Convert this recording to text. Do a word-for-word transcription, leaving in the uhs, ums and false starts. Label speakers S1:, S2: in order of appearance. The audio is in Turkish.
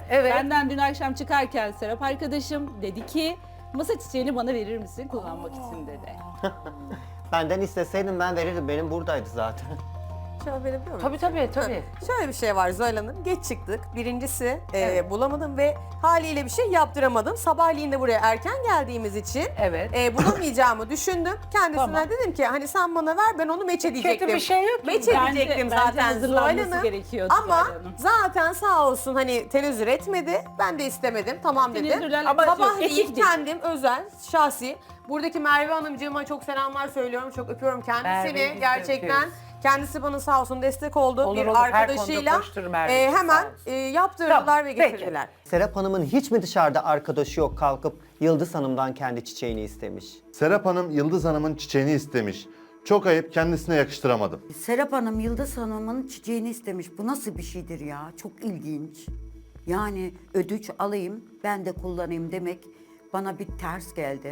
S1: Evet.
S2: Benden dün akşam çıkarken Serap arkadaşım dedi ki masa çiçeğini bana verir misin kullanmak için dedi.
S3: Benden isteseydim ben verirdim. Benim buradaydı zaten.
S4: Şöyle verebiliyor muyum?
S1: Tabii tabii tabii.
S4: Şöyle bir şey var Zuhal Hanım. Geç çıktık. Birincisi e, bulamadım ve haliyle bir şey yaptıramadım. Sabahleyin de buraya erken geldiğimiz için
S1: Evet.
S4: e, bulamayacağımı düşündüm. Kendisine
S1: Tamam.
S4: dedim ki hani sen bana ver ben onu meç edecektim.
S1: Kötü bir şey yok ki.
S4: Meç
S2: Bence-
S4: edecektim
S2: bence
S4: zaten Zuhal
S2: hazırlanması
S4: Hanım.
S2: gerekiyordu
S4: Ama
S2: Zuhal Hanım.
S4: zaten sağ olsun hani tenezzül etmedi. Ben de istemedim. Tamam dedim.
S2: Tenezzülen-
S4: Ama
S2: Yok,
S4: sabahleyin
S2: etik değil.
S4: kendim özel, şahsi. Buradaki Merve Hanımcığıma çok selamlar söylüyorum. Çok öpüyorum kendisini.
S1: Merve'yi biz de
S4: Gerçekten.
S1: öpüyoruz.
S4: Kendisi bana sağ olsun destek oldu.
S1: Olur,
S4: bir
S1: olur. Her
S4: arkadaşıyla
S1: konuda koşturur Merve,
S4: e,
S1: çok
S4: hemen
S1: sağ olsun.
S4: e, yaptırdılar
S1: Tamam,
S4: ve
S1: peki.
S4: getirdiler.
S3: Serap Hanım'ın hiç mi dışarıda arkadaşı yok kalkıp Yıldız Hanım'dan kendi çiçeğini istemiş?
S5: Serap Hanım Yıldız Hanım'ın çiçeğini istemiş. Çok ayıp, kendisine yakıştıramadım.
S6: Serap Hanım Yıldız Hanım'ın çiçeğini istemiş. Bu nasıl bir şeydir ya? Çok ilginç. Yani ödünç alayım, ben de kullanayım demek bana bir ters geldi.